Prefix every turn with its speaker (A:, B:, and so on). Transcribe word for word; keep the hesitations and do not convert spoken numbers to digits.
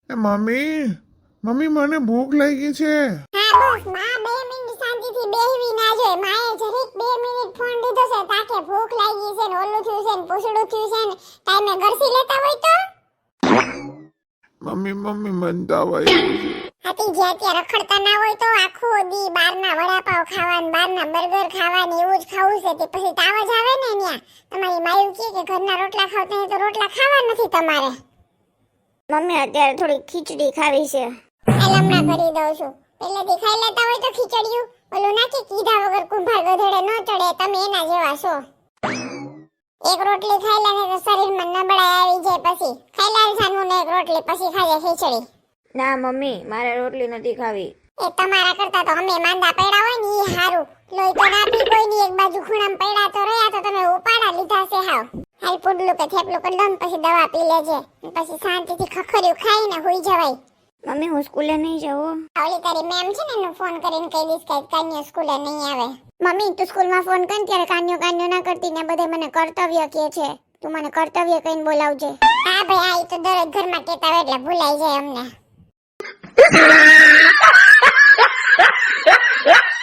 A: એ mummy mummy મને ભૂખ લાગી છે.
B: હા બોસ માં બે મિનિટ શાંતિથી બેહવી ના જોઈએ. માએ જરીક બે મિનિટ ફોન લીધો છે તાકે ભૂખ લાગી છે ને ઓલું થયું છે ને પૂછડું થયું છે ને ટાઈમે ગરસી લેતા હોય તો
A: મમ્મી મમ્મી મને તાવ આવ્યો છે.
B: હાથી જ્યાં ત્યાં રખડતા ના હોય તો આખો દી બહારના વડાપાવ ખાવાનું બહારના બર્ગર ખાવાનું એવું જ ખાવું છે તે પછી તાવ જ આવે ને ન્યા. તમારી માયું કહે કે ઘરના રોટલા ખાવતા હોય તો રોટલા ખાવા નથી તમારે.
C: મમ્મી અત્યારે થોડી ખીચડી ખાવી છે.
B: હાલ હમણાં કરી દઉં છું. પહેલેથી ખાઈ લેતા હોય તો ખીચડિયું ઓલું નાખી કીધા વગર કુંભાર ગધેડે ન ચડે. તમે એના જેવા છો. એક રોટલી ખાઈ લે તો શરીરમાં નબળાઈ આવી જાય. પછી ખાઈ લે જાનું ને એક રોટલી પછી ખાજે ખીચડી.
C: ના મમ્મી મારે રોટલી નથી ખાવી.
B: એ તમારા કરતા તો અમે માંદા પડ્યા હોય ને ઈ હારું. લોહી તો ના પી કોઈ ની એક બાજુ ખૂણામાં પડ્યા તો રહ્યા તો તમે ઉપાડા લીધા છે હાવ. હાલ પુડલું કે થેપલું કરી દો ને પછી દવા પી લેજે. પછી શાંતિથી ખખર્યું ખાઈને હુઈ જવાય.
C: મમ્મી હું સ્કૂલે નહીં જાઉં.
B: ઓલી તારી મેમ છે ને એનું ફોન કરીને કહી દઈશ કે કાન્યો સ્કૂલે નહીં આવે.
C: મમ્મી તું સ્કૂલમાં ફોન કર ત્યારે કાન્યો કાન્યો ના કરતી ને બધે મને કર્તવ્ય કહે છે. તું મને કર્તવ્ય કહીને બોલાવજે.
B: હા ભાઈ આ ઈ તો દરેક ઘરમાં કહેતા હોય એટલે ભૂલાઈ જાય અમને.